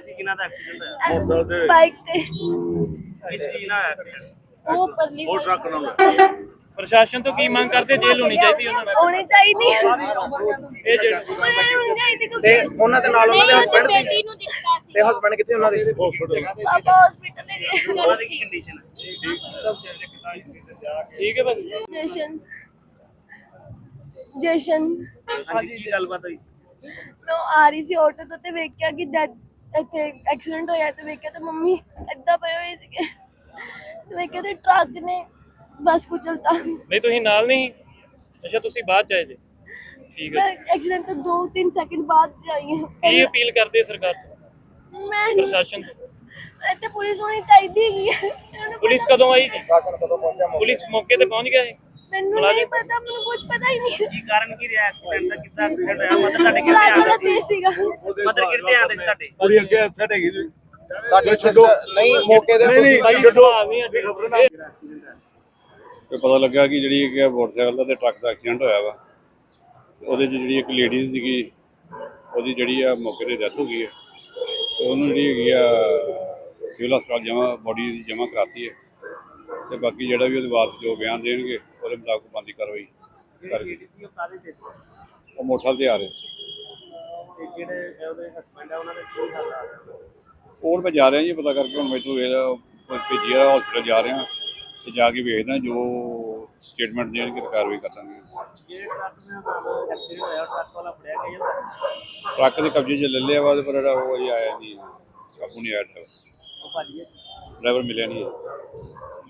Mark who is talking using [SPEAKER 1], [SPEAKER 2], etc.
[SPEAKER 1] ਸੀ ਕਿਹਨਾਂ ਦਾ ਐਕਸੀਡੈਂਟ ਹੋਇਆ?
[SPEAKER 2] ਬਾਈਕ ਤੇ
[SPEAKER 1] ਕਿਸ ਚੀਜ਼ ਨਾਲ ਹੋਇਆ accident?
[SPEAKER 2] ਉਹ ਪਰਲੀ
[SPEAKER 3] ਉਹ ਟਰੱਕ ਨਾਲ
[SPEAKER 4] ਪ੍ਰਸ਼ਾਸਨ ਤੋਂ ਕੀ ਮੰਗ ਕਰਦੇ? ਜੇਲ੍ਹ ਹੋਣੀ ਚਾਹੀਦੀ ਉਹਨਾਂ ਨਾਲ।
[SPEAKER 2] ਹੋਣੀ ਚਾਹੀਦੀ
[SPEAKER 4] ਇਹ ਜਿਹੜੇ
[SPEAKER 2] ਹੋਣੀ ਚਾਹੀਦੀ
[SPEAKER 5] ਤੇ
[SPEAKER 2] ਕਿਉਂਕਿ
[SPEAKER 5] ਉਹਨਾਂ ਦੇ ਨਾਲ ਉਹਨਾਂ ਦੇ ਹਸਬੰਡ ਸੀ
[SPEAKER 6] ਬੇਟੀ ਨੂੰ ਦਿੱਤਾ ਸੀ।
[SPEAKER 5] ਤੇ ਹਸਬੰਡ ਕਿੱਥੇ ਉਹਨਾਂ ਦੇ?
[SPEAKER 3] ਹਸਪੀਟਲ
[SPEAKER 2] ਪਾਪਾ ਹਸਪੀਟਲ ਲੈ ਗਏ।
[SPEAKER 1] ਉਹਨਾਂ ਦੀ ਕੀ ਕੰਡੀਸ਼ਨ ਹੈ?
[SPEAKER 4] ਠੀਕ ਹੈ ਭਾਜੀ।
[SPEAKER 2] ਜਸ਼ਨ
[SPEAKER 1] ਹਾਂਜੀ ਕੀ ਗੱਲਬਾਤ ਹੋਈ?
[SPEAKER 2] ਮੈਂ ਆ ਰਹੀ ਸੀ ਆਟੋ ਤੋਂ ਤੇ ਵੇਖਿਆ ਕਿ ਇੱਥੇ ਐਕਸੀਡੈਂਟ ਹੋਇਆ ਤੇ ਵੇਖਿਆ ਤੇ ਮੰਮੀ ਏਦਾਂ ਪਏ ਹੋਏ ਸੀਗੇ ਤੇ ਵੇਖਿਆ ਤੇ ਟਰੱਕ ਨੇ ਬਸ ਕੁਚਲਤਾ।
[SPEAKER 4] ਨਹੀਂ ਤੁਸੀਂ ਨਾਲ ਨਹੀਂ? ਅੱਛਾ ਤੁਸੀਂ ਬਾਅਦ ਚ ਆਏ ਜੇ। ਠੀਕ
[SPEAKER 2] ਮੈਂ
[SPEAKER 4] ਹੈ।
[SPEAKER 2] ਐਕਸੀਡੈਂਟ ਤੋਂ 2-3 ਸੈਕਿੰਡ ਬਾਅਦ ਜਾਈ ਹਾਂ।
[SPEAKER 4] ਕੀ ਅਪੀਲ ਕਰਦੇ ਸਰਕਾਰ ਤੋਂ,
[SPEAKER 2] ਮੈਂ
[SPEAKER 4] ਪ੍ਰਸ਼ਾਸਨ ਤੋਂ?
[SPEAKER 2] ਇੱਥੇ ਪੁਲਿਸ ਹੋਣੀ ਚਾਹੀਦੀ ਹੈਗੀ ਹੈ। ਮੈਨੂੰ
[SPEAKER 4] ਪੁਲਿਸ ਕਦੋਂ ਆਈ ਜੀ?
[SPEAKER 5] ਸ਼ਾਸਨ ਕਦੋਂ ਪਹੁੰਚਿਆ ਮੌਕੇ
[SPEAKER 4] ਪੁਲਿਸ ਮੌਕੇ ਤੇ ਪਹੁੰਚ ਗਿਆ ਹੈ?
[SPEAKER 2] ਮੈਨੂੰ ਨਹੀਂ ਪਤਾ, ਮੈਨੂੰ ਕੁਝ ਪਤਾ ਹੀ ਨਹੀਂ।
[SPEAKER 1] ਕੀ ਕਾਰਨ ਕੀ ਰਿਹਾ ਐਕਸੀਡੈਂਟ ਦਾ? ਕਿੱਦਾਂ ਐਕਸੀਡੈਂਟ ਹੋਇਆ? ਮਤਲਬ ਤੁਹਾਡੇ ਕਿੱਥੇ
[SPEAKER 2] ਟਰੱਕ
[SPEAKER 1] ਆਉਂਦੇ
[SPEAKER 2] ਵਾਲਾ
[SPEAKER 1] ਸੀ?
[SPEAKER 2] ਤੇਜ਼ ਸੀਗਾ।
[SPEAKER 1] ਮਤਲਬ ਕਿੱਥੇ ਆਉਂਦੇ ਸੀ ਤੁਹਾਡੇ?
[SPEAKER 3] ਕੁੜੀ ਅੱਗੇ ਸੈਟ ਹੈਗੀ ਸੀ
[SPEAKER 5] ਤੁਹਾਡੇ ਸਿਸਟਰ ਨਹੀਂ ਮੌਕੇ ਦੇ
[SPEAKER 3] ਨਹੀਂ,
[SPEAKER 4] ਭਾਈ
[SPEAKER 3] ਛੱਡੋ।
[SPEAKER 4] ਸੁਭਾਅ ਵੀ ਹੈ।
[SPEAKER 7] ਤੇ ਪਤਾ ਲੱਗਾ ਕਿ ਜਿਹੜੀ ਇੱਕ ਮੋਟਰਸਾਈਕਲ ਦਾ ਤੇ ਟਰੱਕ ਦਾ ਐਕਸੀਡੈਂਟ ਹੋਇਆ ਵਾ। ਉਹਦੇ 'ਚ ਜਿਹੜੀ ਇੱਕ ਲੇਡੀਜ਼ ਸੀਗੀ, ਉਹਦੀ ਜਿਹੜੀ ਆ ਮੌਕੇ 'ਤੇ ਡੈਥ ਹੋ ਗਈ ਹੈ। ਤੇ ਉਹਨੂੰ ਜਿਹੜੀ ਹੈਗੀ ਆ ਸਿਵਲ ਹਸਪਤਾਲ ਜਮ੍ਹਾਂ ਬੋਡੀ ਦੀ ਜਮ੍ਹਾਂ ਕਰਾਤੀ ਹੈ। ਤੇ ਬਾਕੀ ਜਿਹੜਾ ਵੀ ਉਹਦੇ ਵਾਰਸ ਜੋ ਬਿਆਨ ਦੇਣਗੇ ਉਹਦੇ ਮੁਤਾਬਕ ਬਣਦੀ ਕਾਰਵਾਈ ਕਰਕੇ।
[SPEAKER 1] ਸੀ ਉਹ ਕਾਹਦੇ ਤੇ ਸੀ?
[SPEAKER 7] ਉਹ ਮੋਟਰਸਾਈਕਲ ਤੇ ਆ ਰਹੇ ਸੀ।
[SPEAKER 1] ਤੇ ਜਿਹੜੇ ਉਹਦੇ ਹਸਬੰਡ ਆ ਉਹਨਾਂ ਦੇ ਕੀ ਹਾਲ ਆ?
[SPEAKER 7] ਕੋਲ ਮੈਂ ਜਾ ਰਿਹਾ ਜੀ, ਪਤਾ ਕਰਕੇ ਹੁਣ ਮੈਨੂੰ ਇਹਦਾ ਭੇਜੀ ਆ ਹਸਪੀਟਲ ਜਾ ਰਿਹਾ ਤੇ ਜਾ ਕੇ ਵੇਖਦਾ ਜੋ ਸਟੇਟਮੈਂਟ ਦੇਣਗੇ ਤਾਂ ਕਾਰਵਾਈ ਕਰ ਦਾਂਗੇ।
[SPEAKER 1] ਜਿਹੜੇ ਟਰੱਕ ਨਾਲ ਐਕਸੀਡੈਂਟ ਹੋਇਆ ਟਰੱਕ ਵਾਲਾ ਫੜਿਆ ਗਿਆ?
[SPEAKER 7] ਟਰੱਕ ਦੇ ਕਬਜ਼ੇ 'ਚ ਲੈ ਲਿਆ ਵਾ, ਪਰ ਜਿਹੜਾ ਉਹ ਅਜੇ ਆਇਆ ਨਹੀਂ, ਕਾਬੂ ਨਹੀਂ ਆਇਆ
[SPEAKER 1] ਉਹ ਭਾਜੀ
[SPEAKER 7] ਡਰਾਈਵਰ ਮਿਲਿਆ ਨਹੀਂ ਹੈ।